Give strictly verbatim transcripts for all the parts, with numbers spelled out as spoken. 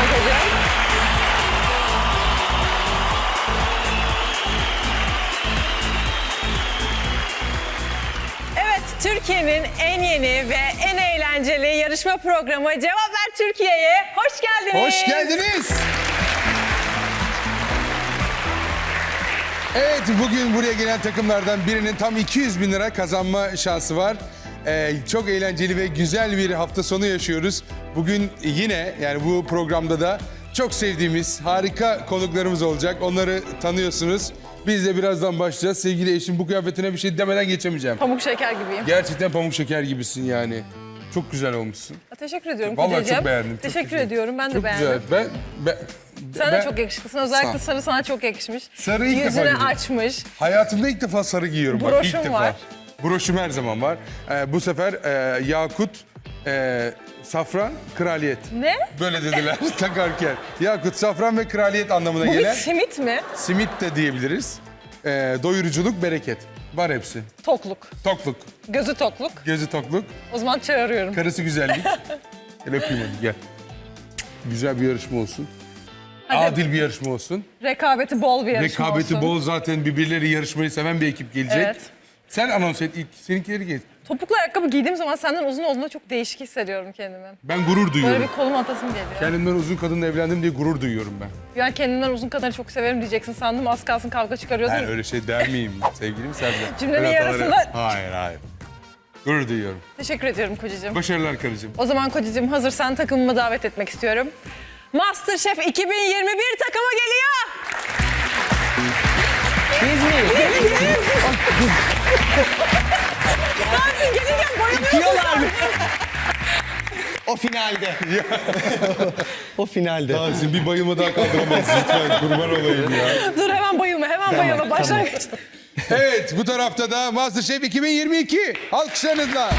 hocam. Evet, Türkiye'nin en yeni ve en eğlenceli yarışma programı Cevap Ver Türkiye'ye hoş geldiniz. Hoş geldiniz. Evet, bugün buraya gelen takımlardan birinin tam iki yüz bin lira kazanma şansı var. Ee, çok eğlenceli ve güzel bir hafta sonu yaşıyoruz. Bugün yine, yani bu programda da çok sevdiğimiz harika konuklarımız olacak. Onları tanıyorsunuz. Biz de birazdan başlayacağız. Sevgili eşim, bu kıyafetine bir şey demeden geçemeyeceğim. Pamuk şeker gibiyim. Gerçekten pamuk şeker gibisin yani. Çok güzel olmuşsun. Teşekkür ediyorum Vallahi kocacığım. çok beğendim. Çok Teşekkür güzel. ediyorum. Ben de Çok beğendim. güzel. Ben, ben, Sen ben de çok yakışıklısın. Özellikle Sağ ol. sarı sana çok yakışmış. Sarı ilk defa Yüzünü görüyorum. açmış. Hayatımda ilk defa sarı giyiyorum. Bak, Broşum ilk defa. var. Broşum her zaman var. Ee, bu sefer e, yakut, e, safran, kraliyet. Ne? Böyle dediler takarken. Yakut, safran ve kraliyet anlamına Bu bir gelen simit mi? simit de diyebiliriz. Ee, doyuruculuk, bereket. Var hepsi. Tokluk. Tokluk, Gözü tokluk. gözü tokluk, O zaman çağırıyorum. karısı güzellik. Gel öpeyim hadi, gel. Güzel bir yarışma olsun. Hadi. Adil bir yarışma olsun. Rekabeti bol bir yarışma Rekabeti olsun. bol, zaten birbirleri yarışmayı seven bir ekip gelecek. Evet. Sen anons et ilk, seninkileri geç. Topuklu ayakkabı giydiğim zaman senden uzun olduğunda çok değişik hissediyorum kendimi. Ben gurur duyuyorum. Böyle bir kolum atasım geliyor. Kendimden uzun kadınla evlendim diye gurur duyuyorum ben. Yani kendimden uzun kadını çok severim diyeceksin sandım. Az kalsın kavga çıkarıyordun. Ben öyle şey der miyim sevgilim Sercan? Cümlenin Öyle hataları- yarısında- Hayır hayır. Gurur duyuyorum. Teşekkür ediyorum kocacığım. Başarılar karıcığım. O zaman kocacığım hazırsan takımımı davet etmek istiyorum. MasterChef iki bin yirmi bir takımı geliyor. Biz miyiz? Zaten gelirken bayılıyorsun. Diyorlar mı? O finalde. O finalde. Tahsin bir bayılma daha kaldıramaz lütfen, kurban olayım ya. Dur hemen bayılma, hemen bayılma. Başlangıç. Evet, bu tarafta da MasterChef iki bin yirmi iki. Alkışlarınızla.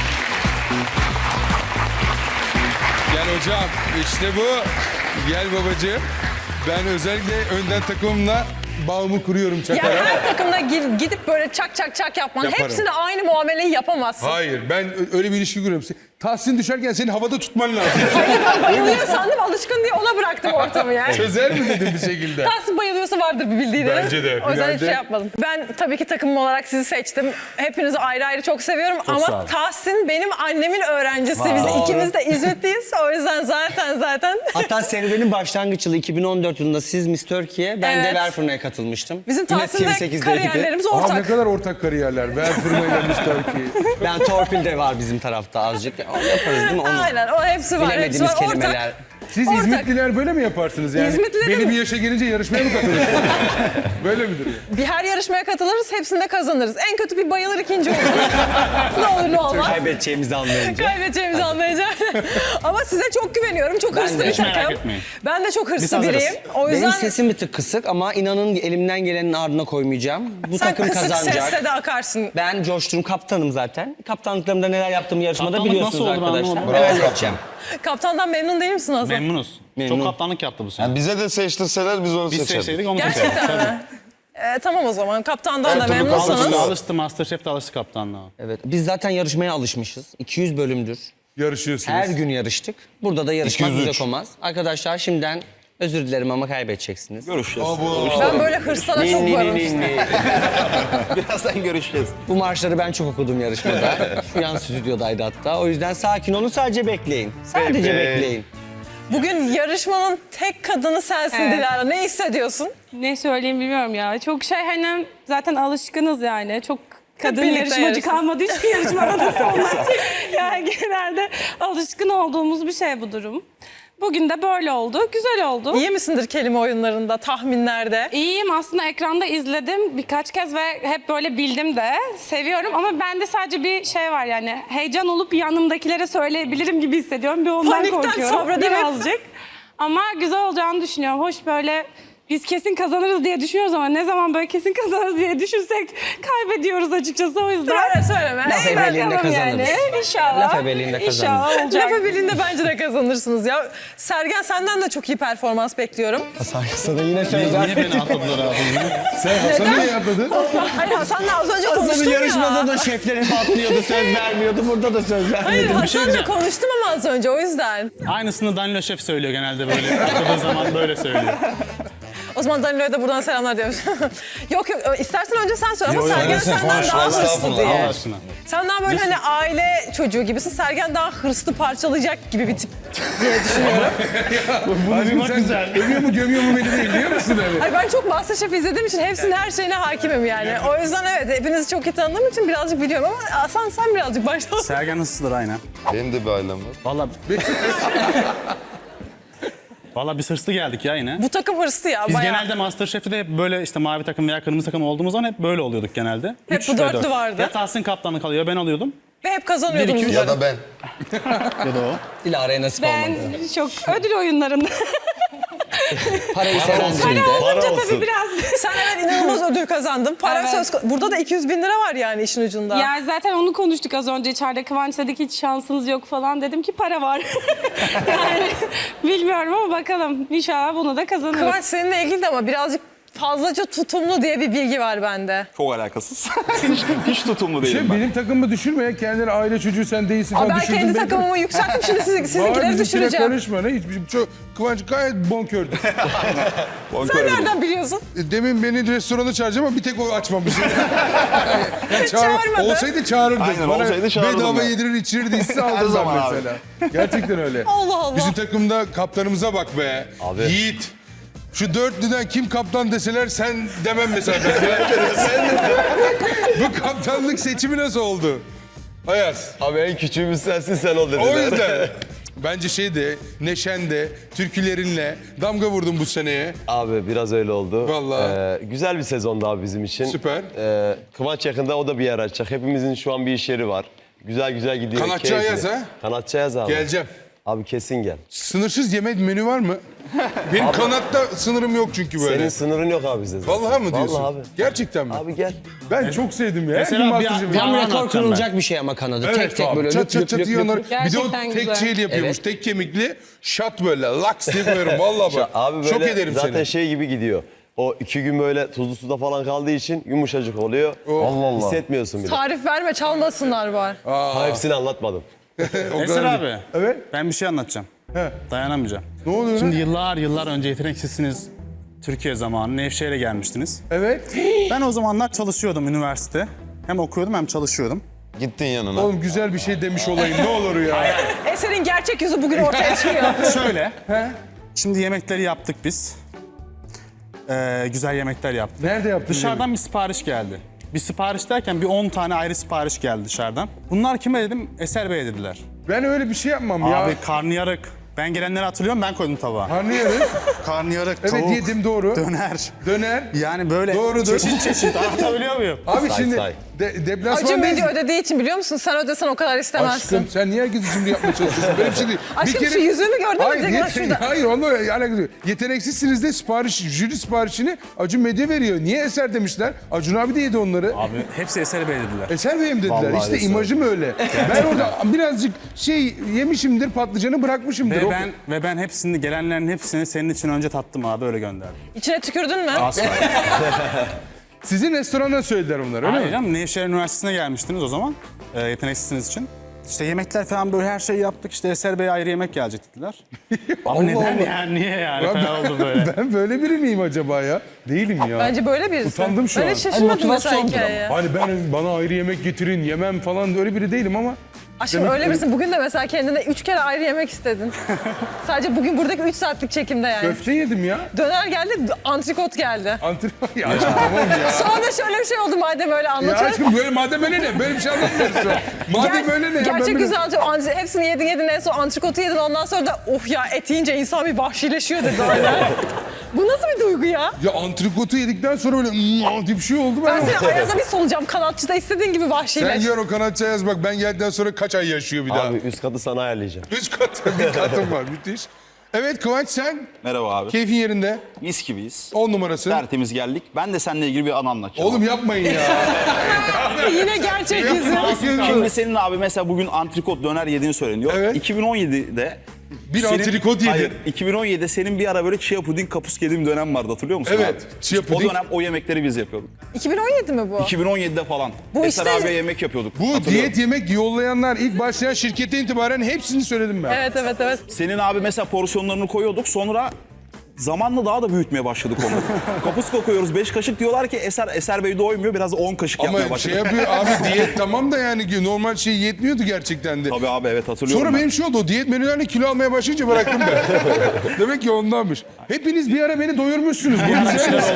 Gel hocam, işte bu. Gel babacığım. Ben özellikle önden takımımla bağımı kuruyorum Ya çakarak. her takımda gi- gidip böyle çak çak çak yapman, Yaparım. hepsine aynı muameleyi yapamazsın. Hayır, ben ö- öyle bir ilişki kuruyorum. Tahsin düşerken seni havada tutman lazım. Ben bayılıyor sandım, alışkın diye ona bıraktım ortamı yani. Çözer mi dedim bir şekilde? Tahsin bayılıyorsa vardır bir bildiği de. Bence de, O yüzden hiç finalde- şey yapmadım. Ben tabii ki takımım olarak sizi seçtim. Hepinizi ayrı ayrı çok seviyorum ama Tahsin benim annemin öğrencisi. Biz ikimiz de İzmitliyiz. O yüzden zaten zaten. Hatta serüvenin başlangıç yılı iki bin on dört yılında siz Miss Türkiye, ben Evet. de Verfırna'ya katılmıştım. Bizim Yine Tahsin'le T V sekizdeydi. kariyerlerimiz Aa, ne ortak. kadar ortak kariyerler. Ver fırmayla Mister Ki. Ben torpil de var bizim tarafta azıcık. Onu yaparız değil mi? Onu. Aynen, o hepsi var. Hepsi Bilemediğimiz var. kelimeler. Ortak. Siz Ortak. İzmitliler böyle mi yaparsınız yani? İzmitlilerin- Belli bir yaşa gelince yarışmaya mı katılırsınız? Böyle midir ya? Bir her yarışmaya katılırız, hepsinde kazanırız. En kötü bir bayılır, ikinci oluruz. ne olur ne olmaz. Kaybedeceğimizi anlayınca. Kaybedeceğimizi anlayacağım. Ama size çok güveniyorum. Çok hırslı de. bir Hiç takım. merak etmeyin. Ben de çok hırslı hazırız. biriyim. O yüzden Benim sesim bir tık kısık ama inanın elimden gelenin ardına koymayacağım. Bu sen takım kısık kazanacak. sesle de akarsın. Ben coşturum kaptanım zaten. Kaptanlıklarımda neler yaptığımı yarışmada Kaptanlık biliyorsunuz nasıl olur arkadaşlar. anlamadım. Neler yapacağım. Kaptandan memnun değil misin Hasan? Memnunuz. Memnun. Çok kaptanlık yaptı bu sene. Yani bize de seçtirseler biz onu Biz seçerdik. seçseydik onu Gerçekten seçerdik. mi? Ee, tamam o zaman. Kaptandan da Her türlü memnunsanız. kaptanlık. Alıştı, alıştı. Masterchef'te alıştı kaptanlığa. Evet. Biz zaten yarışmaya alışmışız. iki yüz bölümdür. Yarışıyorsunuz. Her gün yarıştık. Burada da yarışmak iki yüz üç. bize olmaz. Arkadaşlar şimdiden özür dilerim ama kaybedeceksiniz. Görüşeceğiz. Ben böyle hırslana çok Ni, ni, varım ni, işte. ni. Birazdan görüşeceğiz. Bu marşları ben çok okudum yarışmada. Şu yan stüdyodaydı hatta. O yüzden sakin olun, sadece bekleyin. Sadece Peki. bekleyin. Bugün yarışmanın tek kadını sensin Evet. Dilara. Ne hissediyorsun? Ne söyleyeyim bilmiyorum ya. Çok şey hani zaten alışkınız yani. Çok kadın birlikte yarışmacı yarışın. kalmadı hiçbir yarışmada da sonra. Yani genelde alışkın olduğumuz bir şey bu durum. Bugün de böyle oldu. Güzel oldu. İyi misindir kelime oyunlarında, tahminlerde? İyiyim aslında ekranda izledim birkaç kez ve hep böyle bildim de. Seviyorum ama bende sadece bir şey var yani. Heyecan olup yanımdakilere söyleyebilirim gibi hissediyorum. Bir ondan Panikten korkuyorum. sabredemem. Birazcık. Ama güzel olacağını düşünüyorum. Hoş böyle biz kesin kazanırız diye düşünüyoruz ama ne zaman böyle kesin kazanırız diye düşünsek kaybediyoruz açıkçası o yüzden. Öyle söyleme. Laf Ey, ebeliğinde Bakalım kazanırız. yani. İnşallah. Laf ebeliğinde kazanırız. İnşallah olacak. Lafı bildiğinde bence de kazanırsınız ya. Sergen senden de çok iyi performans bekliyorum. Sana yine söz Niye beni atladılar abi? Sen Hasan'ı niye atladın? Hayır Hasan'la az önce Hasan'ın konuştum yarışmada ya. da şefler hep atlıyordu, söz vermiyordu. Burada da söz Hayır vermiyordu. Bir şey Hasan'la diyeceğim. konuştum ama az önce o yüzden. Aynısını Danilo Şef söylüyor genelde böyle. Atladığı zaman böyle söylüyor. O zaman Danilo'ya da buradan selamlar diyoruz. yok yok istersen önce sen söyle ama Yo, yo, Sergen sen senden konuş, daha hırslı estağfurullah. diye. Allah aşkına. Sen daha böyle hani aile çocuğu gibisin. Sergen daha hırslı parçalayacak gibi bir tip diye düşünüyorum. Bunu duymak güzel. Övüyor mu gömüyor mu beni değil biliyor musun öyle? Hayır ben çok MasterChef izlediğim için hepsinin her şeyine hakimim yani. O yüzden evet hepinizi çok iyi tanıdığım için birazcık biliyorum ama Hasan sen birazcık başla. Sergen hırsızdır aynen. Benim de bir ailem var. Valla... Valla biz hırslı geldik ya yine. Bu takım hırslı ya Biz bayağı. genelde MasterChef'te de hep böyle işte mavi takım veya kırmızı takım olduğumuz zaman hep böyle oluyorduk genelde. Hep Üç bu ve dörtlü dört. vardı. Ya Tahsin kaptanlık alıyor ben alıyordum. Ve hep kazanıyordum Bir, iki, üç. Ya da ben. Ya da o. Dilara'ya nasip Ben olmadı. çok ödül oyunlarında. Parayı seven Hani değildi. olunca tabii biraz. Sen evet inanılmaz ödül kazandın. Para Evet. söz ko- Burada da iki yüz bin lira var yani işin ucunda. Ya zaten onu konuştuk az önce içeride. Kıvanç dedi ki hiç şansınız yok falan. Dedim ki para var. yani bilmiyorum ama bakalım. İnşallah bunu da kazanırız. Kıvanç seninle ilgili de ama birazcık fazlaca tutumlu diye bir bilgi var bende. Çok alakasız. hiç, hiç tutumlu değilim Şey, ben. benim takımımı düşürmeye kendine aile çocuğu sen değilsin Aa, falan ben düşürdün kendi beni. takımımı yükselttim şimdi siz, Var, sizinkileri bizimkine düşüreceğim. karışma ne hiçbir çok Kıvanç gayet bonkördü. Sen nereden biliyorsun? Demin beni restorana çağıracağım ama bir tek o açmamış. Ya Çağırmadı. Olsaydı çağırırdı. Aynen, Bana olsaydı çağırırdım bedava ben. yedirir içirirdi hisse Her aldım zaman ben abi. mesela. Gerçekten öyle. Allah Allah. Bizim takımda kaptanımıza bak be. Abi. Yiğit. Şu dörtlüden kim kaptan deseler sen demem mesela. sen Bu kaptanlık seçimi nasıl oldu? Ayaz. Abi en küçüğümüz sensin sen ol dediler. O yüzden bence şeyde, neşende, türkülerinle damga vurdun bu seneye. Abi biraz öyle oldu. Vallahi. Ee, güzel bir sezondu abi bizim için. Süper. Ee, Kıvanç yakında o da bir yer açacak. Hepimizin şu an bir iş yeri var. Güzel güzel gidiyor. Kanatçı keyifli. Ayaz ha? Kanatçı Ayaz abi. Geleceğim. Abi kesin gel. Sınırsız yemek menü var mı? Benim kanatta sınırım yok çünkü böyle. Senin sınırın yok abi bizde. zaten. Vallahi mı diyorsun? Vallahi abi. Gerçekten mi? Abi gel. Ben çok sevdim ya. Mesela Her gün bir- Masterchef'i- bir Tam anı rekor anlatacağım kırılacak bir şey ama kanadı. Evet tek tek abi, böyle çat löp çat löp çat löp yanar. löp. Bir de o Gerçekten tek güzel. şeyle yapıyormuş. Evet. Tek kemikli şat böyle laks diye koyarım. Vallahi bak. Abi böyle Şok ederim zaten seni. şey gibi gidiyor. O iki gün böyle tuzlu suda falan kaldığı için yumuşacık oluyor. Allah Allah. Hissetmiyorsun bile. Tarif verme çalmasınlar var. Ha, hepsini anlatmadım. O Eser kadar abi. değil. Evet. Ben bir şey anlatacağım. He. Dayanamayacağım. Ne oluyor Şimdi lan? yıllar yıllar önce yeteneksizsiniz. Türkiye zamanı Nevşehir'e gelmiştiniz. Evet. Ben o zamanlar çalışıyordum üniversite. Hem okuyordum hem çalışıyordum. Gittin yanına. Oğlum güzel bir şey demiş olayım ne olur ya. Eser'in gerçek yüzü bugün ortaya çıkıyor. Şöyle. Şimdi yemekleri yaptık biz. Ee, güzel yemekler yaptık. Nerede yaptın? Dışarıdan bir sipariş geldi. Bir sipariş derken bir on tane ayrı sipariş geldi dışarıdan. Bunlar kime dedim? Eser Bey dediler. Ben öyle bir şey yapmam ya. Abi karnıyarık. Ben gelenleri hatırlıyorum ben koydum tabağa. Anlıyorum. Karnıyarık, Evet tavuk, yedim doğru. döner. Döner. Yani böyle Doğrudur. çeşit çeşit anlatabiliyor muyum? Abi Say, şimdi say. de, Acun deplasman Medya ödediği için biliyor musun? Sen ödesen o kadar istemezsin. Aşkım sen niye herkesi şimdi yapmaya çalışıyorsun? Böyle bir şey değil. Aşkım, şu yüzüğümü gördün mü? Hayır, Direkt yete- şurada. hayır onunla alakası yok. Yeteneksizsiniz de sipariş, jüri siparişini Acun Medya veriyor. Niye Eser demişler? Acun abi de yedi onları. Abi hepsi Eser Bey dediler. Eser Bey'im dediler. Vallahi işte Eser. imajım öyle. Ben orada birazcık şey yemişimdir, patlıcanı bırakmışımdır. Ve O- ben ve ben hepsini gelenlerin hepsini senin için önce tattım abi öyle gönderdim. İçine tükürdün mü? Asla. Sizin restorana söylediler onları öyle Hayır mi? canım Nevşehir Üniversitesi'ne gelmiştiniz o zaman. E, yeteneksizsiniz için. İşte yemekler falan böyle her şeyi yaptık. İşte Eser Bey ayrı yemek gelecek dediler. Abi neden Allah. yani? Niye yani? Ya Falan oldu böyle. Ben böyle biri miyim acaba ya? Değilim ya. Bence böyle birisi. Utandım şu ben an. hiç şaşırmadım Ay, mesela motivasyondur hikayeye. Hani ben bana ayrı yemek getirin, yemem falan öyle biri değilim ama Aşkım Demek öyle ki- birisin. Bugün de mesela kendine üç kere ayrı yemek istedin. Sadece bugün buradaki üç saatlik çekimde yani. köfte yedim ya. Döner geldi, antrikot geldi. Antrenman ya aşkım tamam ya. Sonra şöyle bir şey oldu madem öyle Ya anlatıyorum. aşkım böyle madem öyle ne? Böyle bir şey anlatmıyoruz şu an. Madem Ger- öyle ne ya? Ben Gerçek böyle- güzel antrikot. Antri- Hepsini yedin yedin en son antrikotu yedin. Ondan sonra da oh ya et yiyince insan bir vahşileşiyor dedi öyle. Bu nasıl bir duygu ya? Ya antrikotu yedikten sonra böyle "Mm" diye bir şey oldu. Ben Ben, seni Ayaz'a bir solacağım. Kanatçıda istediğin gibi Sen vahşileş. gör o kanatçı yaz bak ben geldikten sonra kaç ay yaşıyor bir daha. Abi üst katı sana ayarlayacağım. Üç kat bir katım var müthiş. Evet Kıvanç sen Merhaba abi. keyfin yerinde. Mis gibiyiz. On numarası. Tertemiz geldik. Ben de seninle ilgili bir anı anlatacağım. Oğlum yapmayın ya. Yine gerçek yüzü. Şimdi senin abi mesela bugün antrikot döner yediğini söyleniyor. Evet. iki bin on yedide Bir antrikot yedin. Hayır, iki bin on yedide senin bir ara böyle chia puding kapusk yediğin dönem vardı, hatırlıyor musun Evet, abi? chia İşte puding. O dönem o yemekleri biz yapıyorduk. iki bin on yedi mi bu? iki bin on yedide falan. Bu Eser işte- abiye yemek yapıyorduk. Bu hatırlıyorum. diyet yemek yollayanlar ilk başlayan şirkete itibaren hepsini söyledim ben. Evet evet evet. Senin abi mesela porsiyonlarını koyuyorduk, sonra zamanla daha da büyütmeye başladık onu. Kapuska koyuyoruz beş kaşık, diyorlar ki Eser Eser Bey doymuyor, biraz da on kaşık yapmaya Ama başladık. şey yapıyor abi diyet tamam da yani normal şey yetmiyordu gerçekten de. Tabii abi, evet hatırlıyorum. Sonra ben. benim şey oldu, o diyet menülerle kilo almaya başlayınca bıraktım ben. Demek ki ondanmış. Hepiniz bir ara beni doyurmuşsunuz. Bu güzel.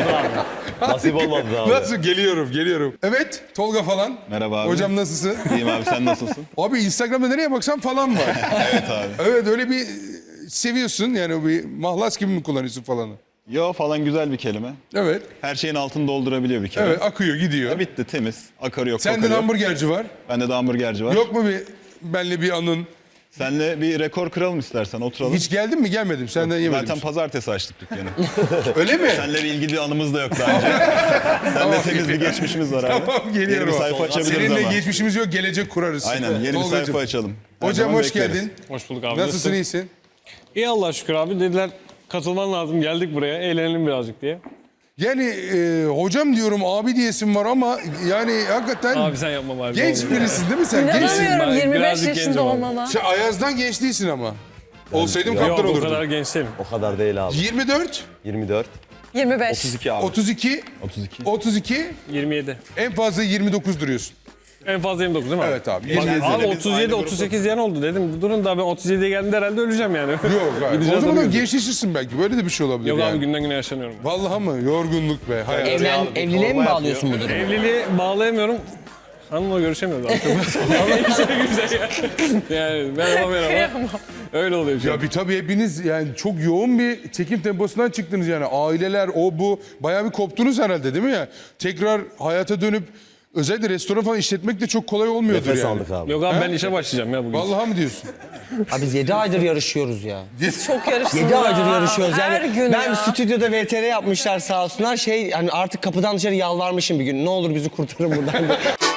Nasip olmadı abi. Nasıl? Geliyorum, geliyorum. Evet, Tolga falan. Merhaba abi. Hocam nasılsın? İyiyim abi, sen nasılsın? Abi Instagram'da nereye baksam falan var. Evet abi. Evet, öyle bir seviyorsun yani, bir mahlas gibi mi kullanıyorsun falanı? Yo falan güzel bir kelime. Evet, Her şeyin altını doldurabiliyor bir kere. evet akıyor gidiyor. Ya bitti, temiz. Akarı yok, Sende kokarı de yok. hamburgerci var. Bende de hamburgerci var. Yok mu bir benle bir anın? Senle bir rekor kıralım istersen, oturalım. Hiç geldin mi? Gelmedim. Senden yemedim. Zaten pazartesi açtık dükkanı. Öyle mi? Seninle bir ilgili anımız da yok daha önce. Seninle temiz bir geçmişimiz var abi. Tamam, geliyorum. Yeni bir sayfa açabiliriz Seninle ama. geçmişimiz yok, gelecek kurarız. Aynen, yeni bir Tolgacığım. sayfa açalım. Her Hocam zaman hoş bekleriz. geldin. Hoş bulduk abi. Nasılsın, iyisin? İyi Allah'a şükür abi. Dediler katılman lazım. Geldik buraya. Eğlenelim birazcık diye. Yani e, hocam diyorum, abi diyesim var ama yani hakikaten Abi sen yapma bari. genç ne olur ya. birisin değil mi sen? Gençsin. İnanamıyorum Ben yirmi beş birazcık yaşında gencim abi. olmana. Sen Ayaz'dan genç değilsin ama. Olsaydım Yok kaptan o olurdun. kadar genç değilim. O kadar değil abi. yirmi dört, yirmi dört, yirmi beş. otuz iki abi. otuz iki, otuz iki. otuz iki, yirmi yedi. en fazla yirmi dokuz duruyorsun. En fazla yirmi dokuz değil mi abi? Evet abi. Bak, yirmi yedi. abi otuz yedi otuz sekiz diyen oldu dedim. Durun daha ben otuz yediye geldiğimde herhalde öleceğim yani. Yok abi. Gideceğiz O zaman da tabii. gençleşirsin belki. Böyle de bir şey olabilir Yok yani. abi günden güne yaşlanıyorum. Vallahi mı? Yorgunluk be. Hayat. Evlen, evliliğe mi bağlıyorsun bu durumu? Evliliği bağlayamıyorum. Hanımla görüşemiyoruz artık. Ama işte güzel ya. Yani merhaba merhaba. Öyle oluyor şu an. Ya bir tabii hepiniz yani çok yoğun bir çekim temposundan çıktınız yani. Aileler, o bu. Bayağı bir koptunuz herhalde değil mi ya? Tekrar hayata dönüp özellikle restoran falan işletmek de çok kolay olmuyordur Nefes yani. aldık abi. Yok abi ben işe başlayacağım ya bugün. Vallahi mı diyorsun? Abi biz yedi aydır yarışıyoruz ya. Çok yarıştın yedi ya. aydır yarışıyoruz yani. Her gün Ben ya. stüdyoda V T R yapmışlar sağ olsunlar. Şey hani artık kapıdan dışarı yalvarmışım bir gün. Ne olur bizi kurtarın buradan.